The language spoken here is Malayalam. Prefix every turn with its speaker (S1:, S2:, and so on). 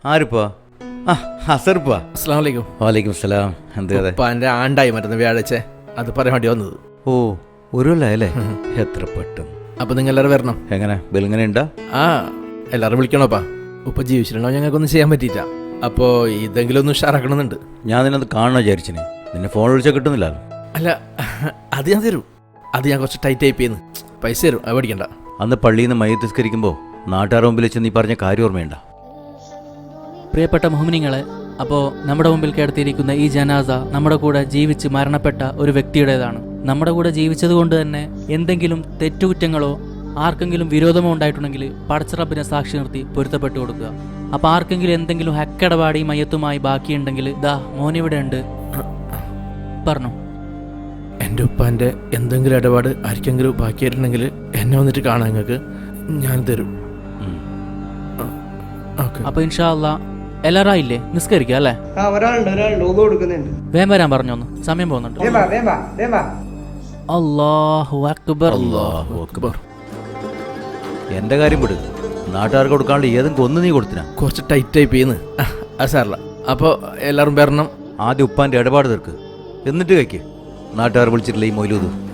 S1: ആരിപ്പാ? ആ അസർപ്പാ.
S2: അസ്സലാമു അലൈക്കും.
S1: വാലൈക്കും സലാം. എന്ത് കഥ?
S2: ഉപ്പാൻ്റെ ആണ്ടായി മറ്റന്ന് വ്യാഴാഴ്ച, അത് പറയാൻ വേണ്ടി വന്നത്.
S1: ഓ ഒരു കൊല്ലല്ലേ? എത്ര പെട്ടെന്ന്.
S2: അപ്പം നിങ്ങൾ എല്ലാവരും വരണം.
S1: എങ്ങനെ ബെലിങ്ങനെ ഉണ്ടാ?
S2: ആ എല്ലാവരും വിളിക്കണോപ്പാ. ഉപ്പ ജീവിച്ചിട്ടുണ്ടാവും, ഞങ്ങൾക്കൊന്നും ചെയ്യാൻ പറ്റിയില്ല. അപ്പോൾ ഇതെങ്കിലും ഒന്ന് ഉഷാറാക്കണമെന്നുണ്ട്.
S1: ഞാൻ നിന്നത് കാണണോ വിചാരിച്ചിന്. നിന്നെ ഫോൺ വിളിച്ചാൽ കിട്ടുന്നില്ല.
S2: അല്ല, അത് ഞാൻ തരും. അത് ഞാൻ കുറച്ച് ടൈറ്റ് ടൈപ്പ് ചെയ്യുന്നു. പൈസ തരും, അത് പഠിക്കണ്ട.
S1: അന്ന് പള്ളിയിൽ നിന്ന് മയ്യത്ത് നിസ്കരിക്കുമ്പോൾ നാട്ടുകാർ മുമ്പിൽ വെച്ച് നീ പറഞ്ഞ കാര്യം ഓർമ്മയുണ്ട?
S3: പ്രിയപ്പെട്ട മുഹ്മിനീങ്ങളെ, അപ്പോൾ നമ്മുടെ മുമ്പിൽ കിടത്തിയിരിക്കുന്ന ഈ ജനാസ നമ്മുടെ കൂടെ ജീവിച്ച് മരണപ്പെട്ട ഒരു വ്യക്തിയുടേതാണ്. നമ്മുടെ കൂടെ ജീവിച്ചത് കൊണ്ട് തന്നെ എന്തെങ്കിലും തെറ്റുകുറ്റങ്ങളോ ആർക്കെങ്കിലും വിരോധമോ ഉണ്ടായിട്ടുണ്ടെങ്കിൽ പടച്ചറബിനെ സാക്ഷി നിർത്തി പൊരുത്തപ്പെട്ടു കൊടുക്കുക. അപ്പോൾ ആർക്കെങ്കിലും എന്തെങ്കിലും ഹക്കിടപാടി മയ്യത്തുമായി ബാക്കിയുണ്ടെങ്കിൽ ദാ മോനിവിടെ ഉണ്ട്, പറഞ്ഞു.
S2: എൻ്റെ ഉപ്പാൻ്റെ എന്തെങ്കിലും ഇടപാട് ആർക്കെങ്കിലും ബാക്കിയായിട്ടുണ്ടെങ്കിൽ എന്നെ വന്നിട്ട് കാണാൻ നിങ്ങൾക്ക് ഞാൻ തരും.
S3: അപ്പോൾ ഇൻഷാ അല്ലാ എല്ലാവരും ആയില്ലേ? നിസ്കരിക്കുക അല്ലേ? വേഗം വരാൻ പറഞ്ഞോന്ന്, സമയം പോകുന്നുണ്ട്. അല്ലാഹു അക്ബർ.
S1: അല്ലാഹു അക്ബർ. എന്റെ കാര്യം വിട്. നാട്ടുകാർക്ക് കൊടുക്കാണ്ട് ഏതും കൊന്നു നീ കൊടുത്തിനാ?
S2: കുറച്ച് ടൈറ്റ് ടൈപ്പ് ചെയ്യുന്നു. അത് സാറില്ല. അപ്പോൾ എല്ലാവരും വരണം.
S1: ആദ്യം ഉപ്പാന്റെ ഇടപാട് തീർക്ക്, എന്നിട്ട് കഴിക്ക്. നാട്ടുകാർ വിളിച്ചിട്ടില്ല ഈ മൊയിലൂത്.